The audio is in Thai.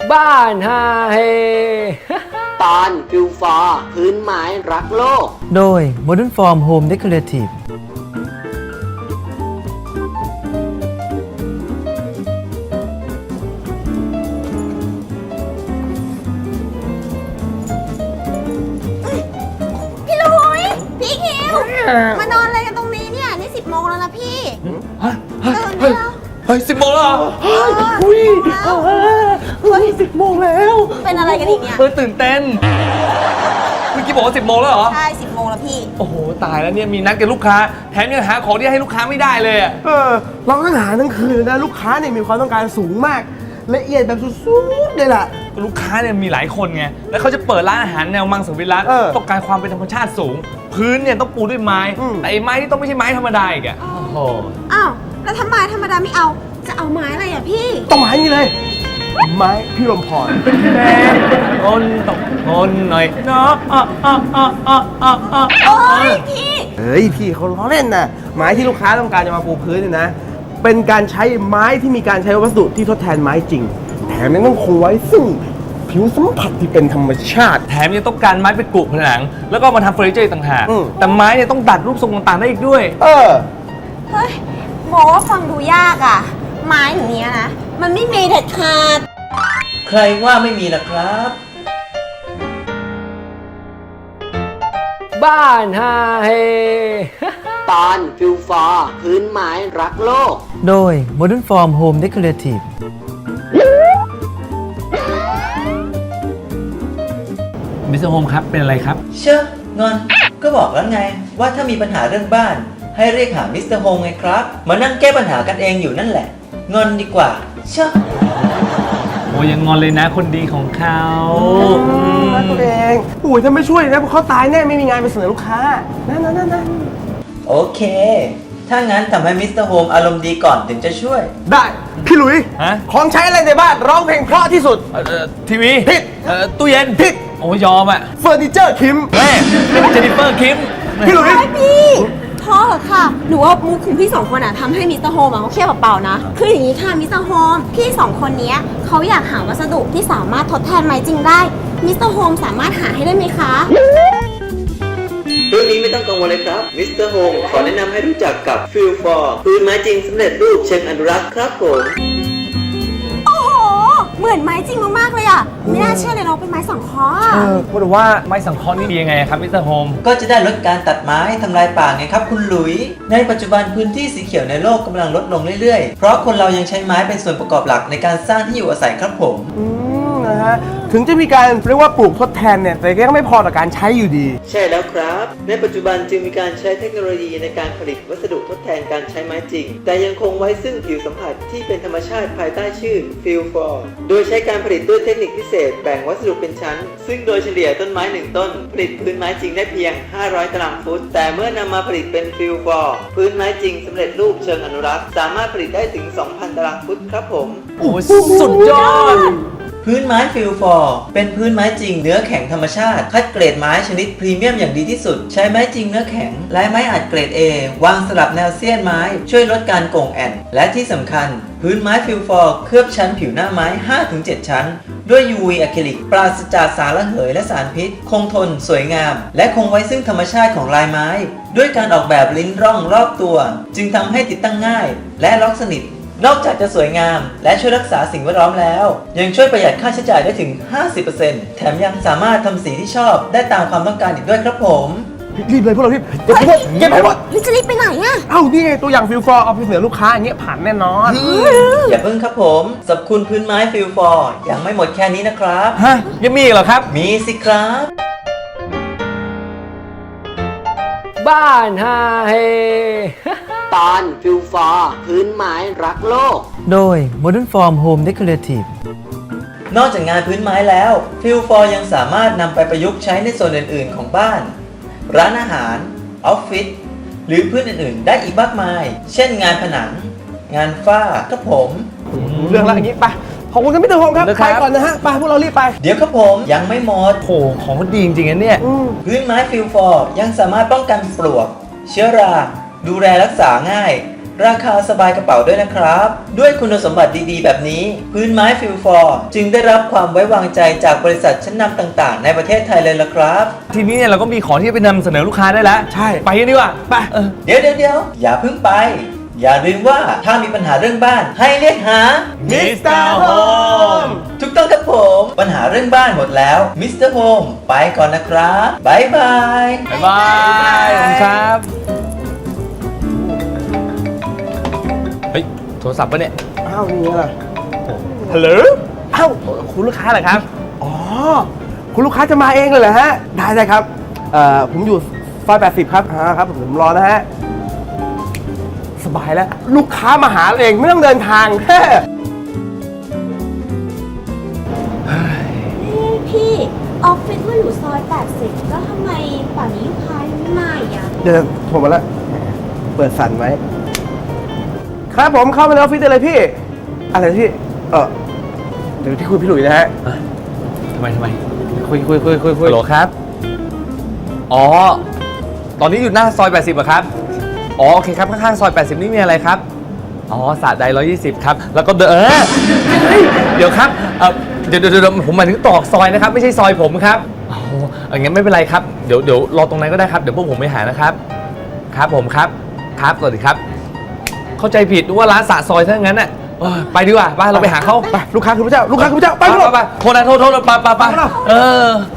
บ้านฮาเฮตอนฟิวฟอร์พื้นไม้รักโลกโดย Modern Form Home Decorative พี่ลุยพี่คิวมานอนอะไรกันตรงนี้เนี่ยนี่10 โมงแล้วนะพี่ตื่นแล้วเฮ้ย10 โมงแล้วเหรออุ้ย10 โมงแล้วเป็นอะไรกันอีกเนี่ยตื่นเต้นเมื่อกี้บอกว่า10 โมงแล้วเหรอใช่10 โมงแล้วพี่โอ้โหตายแล้วเนี่ยมีนัดกับลูกค้าแถมยังหาของที่ให้ลูกค้าไม่ได้เลยอ่ะเราต้องหาทั้งคืนนะลูกค้าเนี่ยมีความต้องการสูงมากละเอียดแบบสุดๆเลยล่ะลูกค้าเนี่ยมีหลายคนไงแล้วเขาจะเปิดร้านอาหารแนวมังสวิรัติต้องการความเป็นธรรมชาติสูงพื้นเนี่ยต้องปูด้วยไม้แต่ไอ้ไม้ที่ต้องไม่ใช่ไม้ธรรมดาอีกอ่ะโอ้โหอ้าวแล้วทำไมธรรมดาไม่เอาจะเอาไม้อะไรอ่ะพี่ต้องมานี่เลย ไม้พี่ลมพรแม่คนตกคนหน่อยเนาะโอ้ยพี่เฮ้ยพี่เขาล้อเล่นนะไม้ที่ลูกค้าต้องการจะมาปูพื้นเนี่ยนะเป็นการใช้ไม้ที่มีการใช้วัสดุที่ทดแทนไม้จริงแถมยังต้องคงไว้ซึ่งผิวสัมผัสที่เป็นธรรมชาติแถมยังต้องการไม้ไปกรุผนังแล้วก็มาทำเฟอร์นิเจอร์ต่างหากแต่ไม้เนี่ยต้องดัดรูปทรงต่างๆได้อีกด้วยเฮ้ยบอกว่าฟังดูยากอ่ะไม้อย่างเนี้ยนะมันไม่มีเด็ดขาดใครว่าไม่มีล่ะครับบ้านฮาเฮตอนฟิวฟอร์พื้นไม้รักโลกโดย Modern Form Home Decorative มิสเตอร์โฮมครับเป็นอะไรครับเชื่องอนก็บอกแล้วไงว่าถ้ามีปัญหาเรื่องบ้านให้เรียกหามิสเตอร์โฮมไงครับมานั่งแก้ปัญหากันเองอยู่นั่นแหละงอนดีกว่าเชื่อโอ้ยังงอนเลยนะคนดีของเขานั่นตัวเองอุ้ยถ้าไม่ช่วยนะพวกเขาตายแน่ไม่มีงานไปเสนอลูกค้านั่นโอเคถ้างั้นทำให้มิสเตอร์โฮมอารมณ์ดีก่อนถึงจะช่วยได้พี่หลุยของใช้อะไรในบ้านร้องเพลงเพราะที่สุดทีวีผิดตู้เย็นผิดโอ้ยอมอ่ะเฟอร์นิเจอร์คิมแม่เจนิเฟอร์คิมพี่หลุยพี่พอเหรอค่ะหนูว่ามุกของพี่2 คนอ่ะทำให้มิสเตอร์โฮมเขาเครียดเปล่าๆนะคืออย่างนี้ค่ะมิสเตอร์โฮมพี่2 คนนี้เขาอยากหาวัสดุที่สามารถทดแทนไม้จริงได้มิสเตอร์โฮมสามารถหาให้ได้ไหมคะเรื่องนี้ไม่ต้องกังวลเลยครับมิสเตอร์โฮมขอแนะนำให้รู้จักกับฟิลฟอร์พื้นไม้จริงสำเร็จรูปเชิงอนุรักษ์ครับผมโอ้โหเหมือนไม้จริงมากๆเลยอ่ะไม่น่าเชื่อเลยเราเป็นไม้สังเคราะห์พูดว่าไม้สังเคราะห์นี่ดียังไงครับมิสเตอร์โฮมก็จะได้ลดการตัดไม้ทำลายป่าไงครับคุณหลุยในปัจจุบันพื้นที่สีเขียวในโลกกำลังลดลงเรื่อยๆเพราะคนเรายังใช้ไม้เป็นส่วนประกอบหลักในการสร้างที่อยู่อาศัยครับผมนะฮะถึงจะมีการเรียกว่าปลูกทดแทนเนี่ยแต่ก็ยังไม่พอต่อการใช้อยู่ดีใช่แล้วครับในปัจจุบันจึงมีการใช้เทคโนโลยีในการผลิตวัสดุทดแทนการใช้ไม้จริงแต่ยังคงไว้ซึ่งผิวสัมผัสที่เป็นธรรมชาติภายใต้ชื่อ Feel For โดยใช้การผลิตด้วยเทคนิคพิเศษแบ่งวัสดุเป็นชั้นซึ่งโดยเฉลี่ยต้นไม้1 ต้นผลิตพื้นไม้จริงได้เพียง500 ตารางฟุตแต่เมื่อนำมาผลิตเป็น Feel For พื้นไม้จริงสำเร็จรูปเชิงอนุรักษ์สามารถผลิตได้ถึง 2,000 ตารางฟุตครับผมโอ้สุดยอดพื้นไม้ฟิลฟอร์เป็นพื้นไม้จริงเนื้อแข็งธรรมชาติคัดเกรดไม้ชนิดพรีเมียมอย่างดีที่สุดใช้ไม้จริงเนื้อแข็งและไม้อัดเกรด A วางสลับแนวเสี้ยนไม้ช่วยลดการโก่งแอนและที่สำคัญพื้นไม้ฟิลฟอร์เคลือบชั้นผิวหน้าไม้ 5-7 ชั้นด้วย UV อะคริลิกปราศจากสารระเหยและสารพิษคงทนสวยงามและคงไว้ซึ่งธรรมชาติของลายไม้ด้วยการออกแบบลิ้นร่องรอบตัวจึงทำให้ติดตั้งง่ายและล็อกสนิทนอกจากจะสวยงามและช่วยรักษาสิ่งแวดล้อมแล้วยังช่วยประหยัดค่าใช้จ่ายได้ถึง 50% แถมยังสามารถทำสีที่ชอบได้ตามความต้องการอีกด้วยครับผมรีบเลยพวกเรารีบเก็บให้หมดจะรีบไปไหนอะเอ้านี่ไงตัวอย่างฟิลฟอร์เอาไปเสนอลูกค้าอย่างเงี้ยผ่านแน่นอนอย่าเพิ่งครับผมสรรพคุณพื้นไม้ฟิลฟอร์ยังไม่หมดแค่นี้นะครับฮะยังมีอีกเหรอครับมีสิครับบ้านฮาเฮตอนฟิวฟอร์พื้นไม้รักโลกโดย Modern Form Home Decorative นอกจากงานพื้นไม้แล้วฟิลฟอร์ยังสามารถนำไปประยุกต์ใช้ในส่วนอื่นๆของบ้านร้านอาหารออฟฟิศหรือพื้นอื่นๆได้อีกมากมายเช่นงานผนังงานฝ้าครับผมเรื่องอะไรอย่างนี้ไปขอบคุณครับพี่เตอร์โฮมครับไปก่อนนะฮะไปพวกเรารีบไปเดี๋ยวครับผมยังไม่หมดโหของมันดีจริงๆนะเนี่ยพื้นไม้ฟิลฟอร์ยังสามารถป้องกันปลวกเชื้อราดูแลรักษาง่ายราคาสบายกระเป๋าด้วยนะครับ ด้วยคุณสมบัติดีๆ แบบนี้ พื้นไม้ฟิลฟอร์จึงได้รับความไว้วางใจจากบริษัทชั้นนำต่างๆ ในประเทศไทยเลยล่ะครับทีนี้เนี่ยเราก็มีของที่จะไปนำเสนอลูกค้าได้แล้วใช่ไปกันดีกว่าไปเดี๋ยวอย่าเพิ่งไป อย่าลืมว่าถ้ามีปัญหาเรื่องบ้านให้เรียกหา Mr. Home ถูกต้องครับผม ปัญหาเรื่องบ้านหมดแล้วมิสเตอร์โฮมไปก่อนนะครับบ๊ายบายบ๊ายบายขอบคุณครับ เฮ้ย โทรศัพท์ปะเนี่ยอ้าวนี่อะไรฮัลโหลอ้าวคุณลูกค้าเหรอครับอ๋อ คุณลูกค้าจะมาเองเลยเหรอฮะ ได้ครับ ผมอยู่ซอย80 ครับครับผมรอนะฮะ สบายแล้ว ลูกค้ามาหาเองไม่ต้องเดินทางแค่พี่ออฟฟิศว่าอยู่ซอย 80 แล้วทำไมป่านนี้ลูกค้ายังไม่มาอีกอะเดินโทรมาแล้ว เปิดสั่นไว้ ครับผมเข้ามาในออฟฟิศได้เลยพี่ อะไรนะพี่ เดี๋ยวพี่คุยพี่หลุยนะฮะทำไมคุยฮัลโหลครับ อ๋อ ตอนนี้อยู่หน้าซอย 80เหรอครับ อ๋อ โอเคครับ ข้างๆซอย 80 นี่มีอะไรครับ อ๋อสระใด120 ครับ แล้วก็เดี๋ยวครับเดี๋ยวผมหมายถึงตอกซอยนะครับ ไม่ใช่ซอยผมครับอ๋ออย่างงั้นไม่เป็นไรครับ เดี๋ยวรอตรงนั้นก็ได้ครับ เดี๋ยวพวกผมไปหานะครับ ครับผมครับ ครับ สวัสดีครับ เข้าใจผิดว่าร้านสระซอยถ้างั้นน่ะไปดีกว่าไปเราไปหาเขาไปลูกค้าคุณพระเจ้า ลูกค้าคุณพระเจ้า ไปไปโทษนะโทษไป